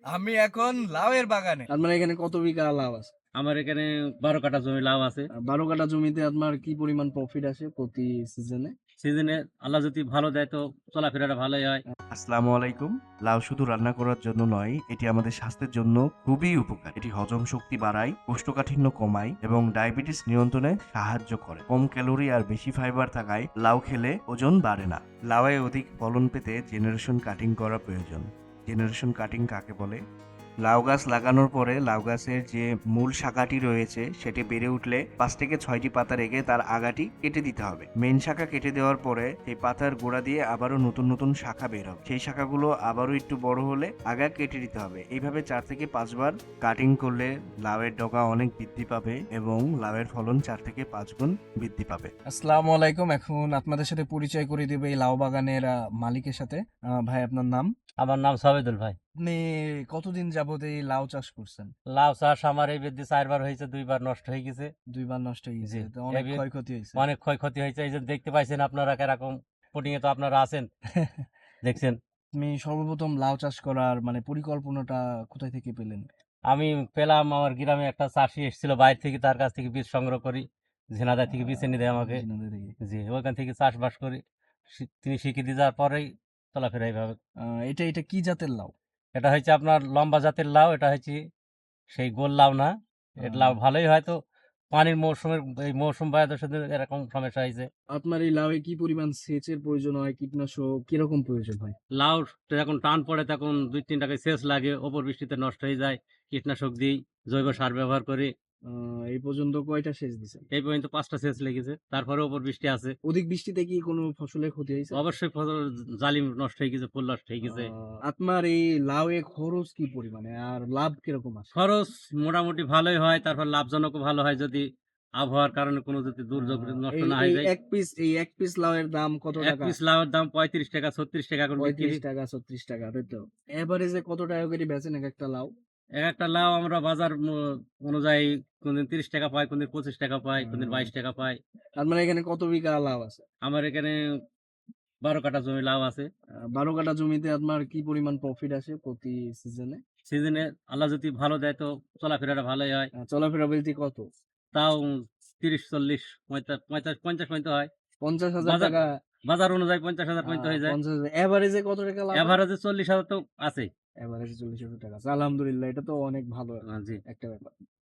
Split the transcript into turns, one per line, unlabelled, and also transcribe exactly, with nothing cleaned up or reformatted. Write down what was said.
আমি এখন লাউয়ের বাগানে।
আপনার এখানে কত বিঘা লাউ আছে?
আমার এখানে বারো কাঠা জমি লাউ আছে।
আহ, বারো কাঠা জমিতে আপনার কি পরিমাণ প্রফিট আসে প্রতি সিজনে?
সিজনে আল্লাহ যদি ভালো দেয় তো চলাফেরাটা ভালোই হয়।
আসসালামু আলাইকুম। লাউ শুধু রান্না করার জন্য নয়, এটি আমাদের স্বাস্থ্যের জন্য খুবই উপকার। এটি হজম শক্তি বাড়ায়, কোষ্ঠকাঠিন্য কমায় এবং ডায়াবেটিস নিয়ন্ত্রণে সাহায্য করে। কম ক্যালোরি আর বেশি ফাইবার থাকায় লাউ খেলে ওজন বাড়ে না। লাউয়ে অধিক ফলন পেতে জেনারেশন কাটিং করা প্রয়োজন। জেনারেশন কাটিং কাকে বলে? লাউ গাছ লাগানোর পরে লাউ গাছের যে মূল শাখাটি রয়েছে সেটি বেড়ে উঠলে পাঁচ থেকে ছয়টি পাতা রেখে তার আগাটি কেটে দিতে হবে। মেন শাখা কেটে দেওয়ার পরে সেই পাতার গোড়া দিয়ে আবারও নতুন নতুন শাখা বের হবে। সেই শাখাগুলো আবারও একটু বড় হলে আগা কেটে দিতে হবে। এইভাবে চার থেকে পাঁচবার কাটিং করলে লাউয়ের ডগা অনেক বৃদ্ধি পাবে এবং লাউয়ের ফলন চার থেকে পাঁচ গুণ বৃদ্ধি পাবে।
আসসালামু আলাইকুম। এখন আপনাদের সাথে পরিচয় করে দেবে এই লাউ বাগানের আহ, মালিকের সাথে। আহ, ভাই, আপনার নাম?
আমার নাম সাবেদুল ভাই।
আপনি কতদিন যাবত এই লাউ চাষ করছেন?
লাউ চাষ আমার এই বৃদ্ধি চারবার হয়েছে, দুইবার নষ্ট হয়ে গেছে।
দুইবার নষ্ট হয়ে গেছে,
জি।
তো অনেক
এবার
ক্ষয়ক্ষতি হয়েছে।
অনেক ক্ষয়ক্ষতি হয়েছে। এই যে দেখতে পাইছেন আপনারা কিরকম পুটিং এ তো আপনারা আছেন, দেখছেন।
আপনি সর্বপ্রথম লাউ চাষ করার মানে পরিকল্পনাটা কোথায় থেকে পেলেন?
আমি পেলাম, আমার গ্রামে একটা চাষি এসেছিল বাইরে থেকে, তার কাছ থেকে বীজ সংগ্রহ করি। ঝিনাইদহ থেকে বীজ এনে দেয় আমাকে।
ঝিনাইদহ থেকে।
জি, ওখান থেকে চাষবাস করি। শি- তিনি শিখিয়ে দিয়ে যাওয়ার পরেই চলাফেরা এইভাবে।
আহ, এটা এটা কি জাতের লাউ?
এটা হচ্ছে আপনার লম্বা জাতের লাউ। এটা হচ্ছে সেই গোল লাউ না। এটা লাউ ভালোই, হয়তো পানির মৌসুমের এই মৌসুম বায়ুদের সাথে এরকম সমস্যা হয়েছে।
আপনার এই লাউয়ে কি পরিমাণ সেচের প্রয়োজন হয়, কীটনাশক কিরকম প্রয়োজন হয়?
লাউ যখন টান পড়ে তখন দুই তিন টাকায় সেচ লাগে, ওপর বৃষ্টিতে নষ্ট হয়ে যায়। কীটনাশক দিই, জৈব সার ব্যবহার করি।
আহ, এই পর্যন্ত কয়টা সেচ দিছেন?
এই পর্যন্ত পাঁচটা সেচ লেগেছে, তারপরে ওপর বৃষ্টি আছে।
অধিক বৃষ্টিতে কি কোনো ফসলের ক্ষতি হয়েছে?
অবশ্যই ফসল জালিম নষ্ট হয়ে গেছে, ফুল নষ্ট হয়ে গেছে।
আহ, আপনার এই লাউয়ে খরচ কি পরিমাণে আর লাভ কিরকম আসে?
খরচ মোটামুটি ভালোই হয়, তারপর লাভজনকও ভালো হয় যদি আবহাওয়ার কারণে কোনো যদি দুর্যোগ
আহ,
নষ্ট
এই
না হয়ে
এই
যায়।
এক পিস এই এক পিস লাউয়ের দাম কত
এক
টাকা?
পিস লাউয়ের দাম পঁয়ত্রিশ টাকা ছত্রিশ টাকা করে বিক্রি।
পঁয়ত্রিশ টাকা ছত্রিশ টাকা, তাই তো? এভারেজে কত টাকা করে বেচেন এক একটা লাউ?
এক একটা লাউ আমরা বাজার ম- অনুযায়ী কোনদিন তিরিশ টাকা পাই, কোনদিন পঁচিশ টাকা পাই, কোনদিন বাইশ টাকা পাই।
তার মানে এখানে কত বিঘা লাউ আছে?
আমার এখানে বারো কাঠা জমি লাউ আছে।
আহ, বারো কাঠা জমিতে আপনার কি পরিমাণ প্রফিট আসে প্রতি সিজনে?
সিজনে আল্লাহ যদি ভালো দেয় তো চলাফেরাটা ভালোই হয়।
চলাফেরা বলতে কত?
তাও তিরিশ চল্লিশ পঁয়তাল্লিশ পঞ্চাশ পঞ্চাশ পর্যন্ত হয়।
পঞ্চাশ হাজার
বাজার
টাকা?
বাজার অনুযায়ী পঞ্চাশ হাজার পর্যন্ত
আহ,
হয়ে যায়।
পঞ্চাশ হাজার এভারেজে কত টাকা লাভ?
এভারেজে চল্লিশ হাজার তো আছে।
এভারেজে চল্লিশ হাজার টাকা আছে। আলহামদুলিল্লাহ, এটা তো অনেক ভালো
জি।
একটা ব্যাপার।